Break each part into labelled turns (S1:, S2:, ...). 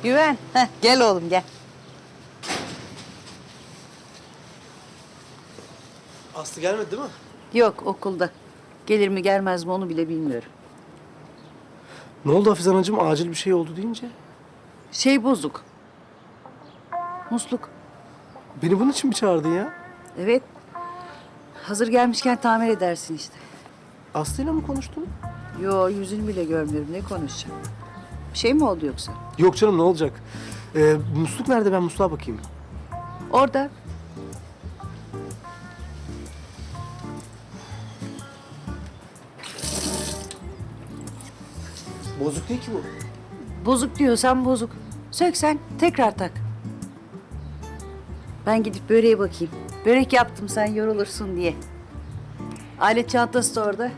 S1: Güven, gel oğlum gel.
S2: Aslı gelmedi değil mi?
S1: Yok okulda. Gelir mi gelmez mi onu bile bilmiyorum.
S2: Ne oldu Hafize Anacığım? Acil bir şey oldu deyince.
S1: Şey bozuk. Musluk.
S2: Beni bunun için mi çağırdın ya?
S1: Evet. Hazır gelmişken tamir edersin işte.
S2: Aslı'yla mı konuştun?
S1: Yo yüzünü bile görmüyorum. Ne konuşacağım? Bir şey mi oldu yoksa?
S2: Yok canım ne olacak? Musluk nerede? Ben musluğa bakayım.
S1: Orada.
S2: Bozuk değil ki bu.
S1: Bozuk diyorsan bozuk. Söksen tekrar tak. Ben gidip böreğe bakayım. Börek yaptım sen yorulursun diye. Alet çantası da orada.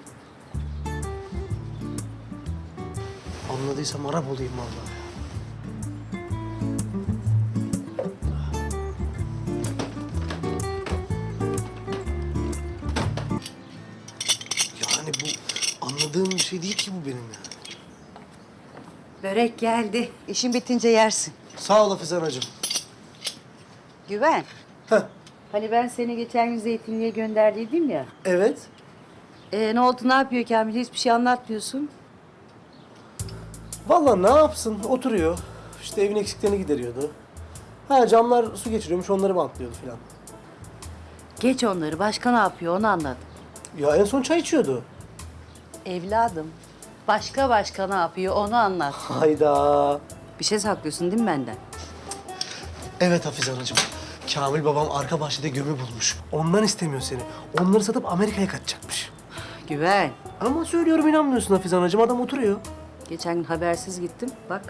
S2: Anladıysam Arap olayım vallahi. Yani bu anladığım bir şey değil ki bu benim ya.
S1: Börek geldi. İşin bitince yersin.
S2: Sağ ol Hafize Anacığım.
S1: Güven.
S2: Heh,
S1: Hani ben seni geçen gün zeytinliğe gönderdiydim ya.
S2: evet.
S1: Ne oldu, ne yapıyor Kamil? Hiçbir şey anlatmıyorsun.
S2: Vallahi ne yapsın? Oturuyor. İşte evin eksiklerini gideriyordu. Ha camlar su geçiriyormuş, onları bantlıyordu falan.
S1: Geç onları. Başka ne yapıyor onu anlat.
S2: Ya en son çay içiyordu.
S1: Evladım. Başka ne yapıyor onu anlat.
S2: Hayda.
S1: Bir şey saklıyorsun değil mi benden?
S2: Evet Hafize Anacığım. Kamil babam arka bahçede gömü bulmuş. Ondan istemiyor seni. Onları satıp Amerika'ya kaçacakmış.
S1: Güven.
S2: Ama söylüyorum inanmıyorsun Hafize Anacığım. Adam oturuyor.
S1: Geçen gün habersiz gittim. Bak.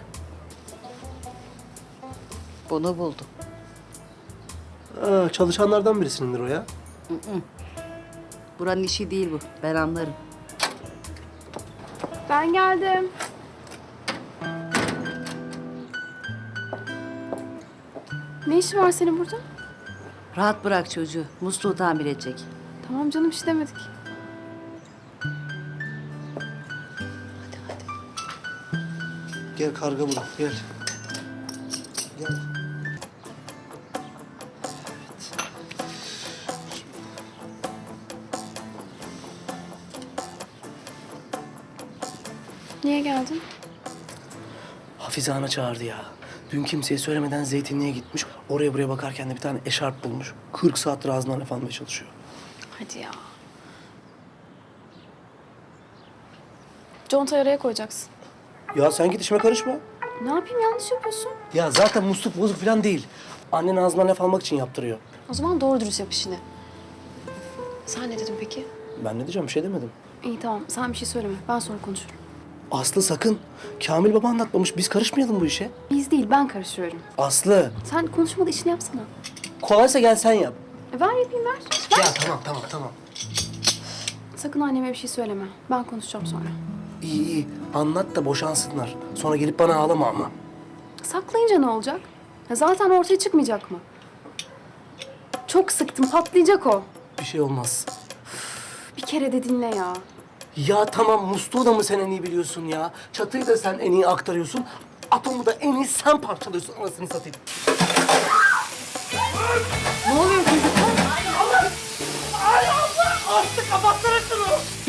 S1: Bunu buldum.
S2: Ha, çalışanlardan birisindir o ya.
S1: Buranın işi değil bu. Ben anlarım.
S3: Ben geldim. Ne işi var senin burada?
S1: Rahat bırak çocuğu. Musluğu tamir edecek.
S3: Tamam canım hiç demedik.
S2: Gel karga bulun, gel. Gel.
S3: Niye geldin?
S2: Hafize Ana çağırdı ya. Dün kimseye söylemeden zeytinliğe gitmiş. Oraya buraya bakarken de bir tane eşarp bulmuş. 40 saattir ağzından laf almaya çalışıyor.
S3: Hadi ya. Contayı araya koyacaksın.
S2: Ya sen git işime karışma.
S3: Ne yapayım yanlış yapıyorsun.
S2: Ya zaten musluk bozuk falan değil. Annen ağzından laf almak için yaptırıyor.
S3: O zaman doğru dürüst yap işini. Sen ne dedin peki?
S2: Ben ne diyeceğim, bir şey demedim.
S3: İyi tamam sen bir şey söyleme. Ben sonra konuşurum.
S2: Aslı sakın. Kamil baba anlatmamış. Biz karışmayalım bu işe.
S3: Biz değil ben karışıyorum.
S2: Aslı.
S3: Sen konuşmada işini yapsana.
S2: Kolaysa gel sen yap.
S3: Ver yapayım ver.
S2: Ya tamam.
S3: Sakın anneme bir şey söyleme. Ben konuşacağım sonra.
S2: İyi. Anlat da boşansınlar. Sonra gelip bana ağlama ama.
S3: Saklayınca ne olacak? Ya zaten ortaya çıkmayacak mı? Çok sıktım patlayacak o.
S2: Bir şey olmaz.
S3: Bir kere de dinle ya.
S2: Ya tamam, musluğu da mı sen en iyi biliyorsun ya? Çatıyı da sen en iyi aktarıyorsun. Atomu da en iyi sen parçalıyorsun, anasını satayım.
S3: Ne oluyor çocuk?
S2: Aslı kapatsana şunu!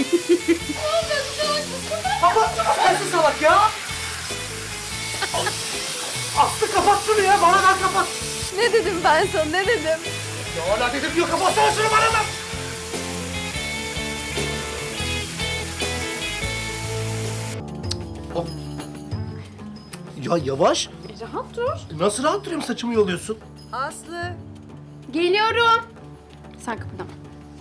S2: Kapatsana sensin salak ya! Aslı kapat şunu ya, bana ver kapat!
S3: Ne dedim ben sana ne dedim?
S2: Ya hala dedim diyor, kapatsana şunu bana ver! Hop. Ya yavaş.
S3: Rahat dur.
S2: Nasıl rahat duruyorum, saçımı yoluyorsun?
S1: Aslı.
S3: Geliyorum. Sen kıpırdama.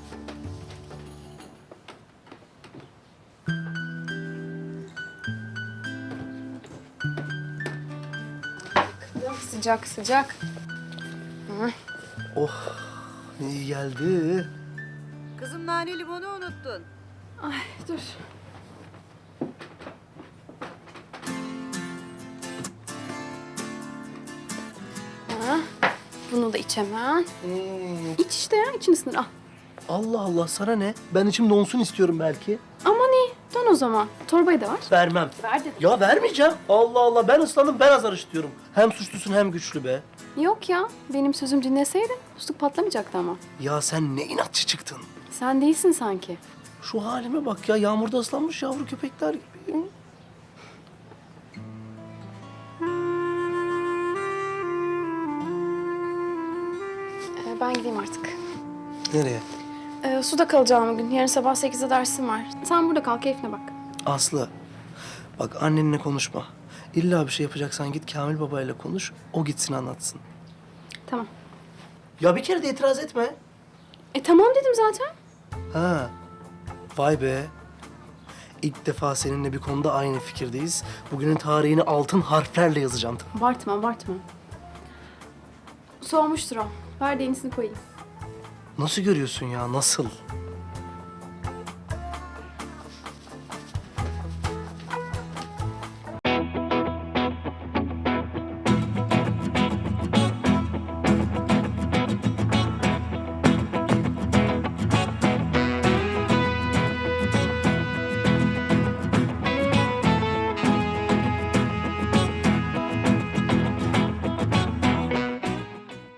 S3: Sıcak sıcak.
S2: Oh, iyi geldi.
S1: Kızım nane limonu unuttun.
S3: Ay dur. Ha, bunu da iç hemen. İç işte ya için ısınır al.
S2: Allah Allah, sana ne? Ben içim donsun istiyorum belki.
S3: Aman iyi. Dön o zaman. Torbayı da ver.
S2: Vermem.
S3: Ver dedim.
S2: Ya vermeyeceğim. Allah Allah, ben ıslandım, ben azar işitiyorum. Hem suçlusun hem güçlü be.
S3: Yok ya. Benim sözüm dinleseydin musluk patlamayacaktı ama.
S2: Ya sen ne inatçı çıktın.
S3: Sen değilsin sanki.
S2: Şu halime bak ya, yağmurda ıslanmış yavru köpekler gibi.
S3: Ben gideyim artık.
S2: Nereye?
S3: Suda kalacağım bugün. Yarın sabah 8'de dersim var. Sen burada kal, keyfine bak.
S2: Aslı, bak annenle konuşma. İlla bir şey yapacaksan git Kamil babayla konuş, o gitsin anlatsın.
S3: Tamam.
S2: Ya bir kere de itiraz etme.
S3: Tamam dedim zaten.
S2: Ha, vay be. İlk defa seninle bir konuda aynı fikirdeyiz. Bugünün tarihini altın harflerle yazacağım.
S3: Abartma, abartma. Soğumuştur o. Ver de yenisini koyayım.
S2: Nasıl görüyorsun ya, nasıl?